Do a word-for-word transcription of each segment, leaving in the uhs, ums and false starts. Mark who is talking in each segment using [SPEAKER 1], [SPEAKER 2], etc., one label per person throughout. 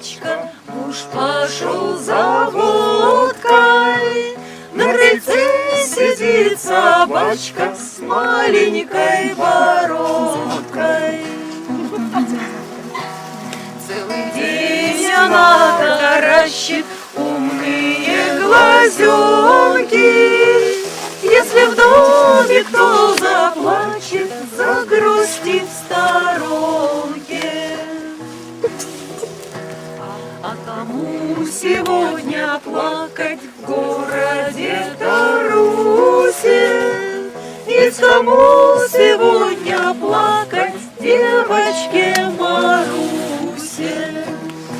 [SPEAKER 1] собачка, муж пошел за водкой. На крыльце сидит собачка с маленькой бородкой. Целый день она таращит умные глазенки. Если в доме кто заплачет, загрустит в сторонке. А кому сегодня плакать в городе Тарусе? Есть кому сегодня плакать девочке Марусе?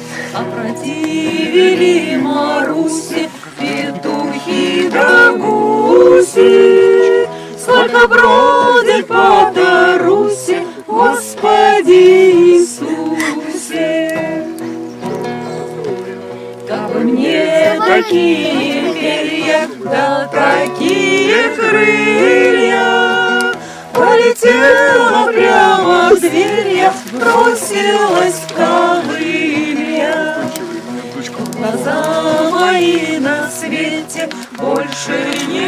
[SPEAKER 1] Опротивили Марусе петухи да гуси. Сколько бродит по Тарусе, Господи Иисусе. Как бы мне такие перья, да такие крылья, полетела прямо в дверь я, бросилась в ковылья. Глаза мои на свете больше не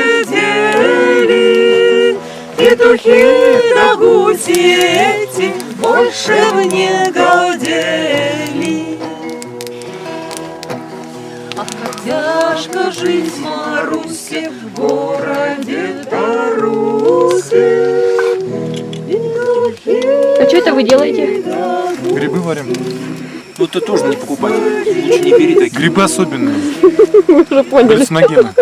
[SPEAKER 1] глядели, петухи да гуси эти больше мне годели. Ах, как тяжко жить Марусе в городе Тарусе.
[SPEAKER 2] А что это вы делаете?
[SPEAKER 3] Грибы варим.
[SPEAKER 4] Ну ты тоже не покупай. Лучше не бери такие.
[SPEAKER 3] Грибы особенные.
[SPEAKER 2] Вы уже поняли.
[SPEAKER 3] Галлюциногены.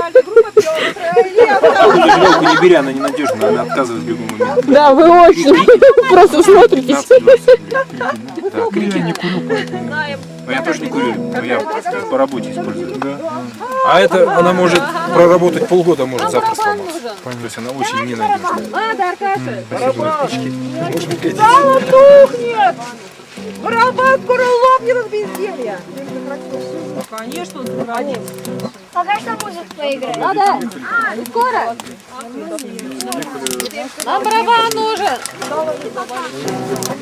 [SPEAKER 4] Жировку не бери, она ненадежная, она отказывает в любой момент.
[SPEAKER 2] Да, вы очень просто смотритесь.
[SPEAKER 4] пятнадцать-двадцать. Да, крики не курю, поэтому. Но я тоже не курю, но я по работе использую.
[SPEAKER 3] Да.
[SPEAKER 5] А это она может проработать полгода, может завтра сломаться.
[SPEAKER 4] То есть она очень ненадежная.
[SPEAKER 6] Надо, Аркаша.
[SPEAKER 5] Сало
[SPEAKER 6] тухнет! Барабан скоро лопнет от безделья. Конечно, он заходит.
[SPEAKER 7] Пока что музыку поиграть.
[SPEAKER 6] Надо. Скоро. Нам барабан нужен.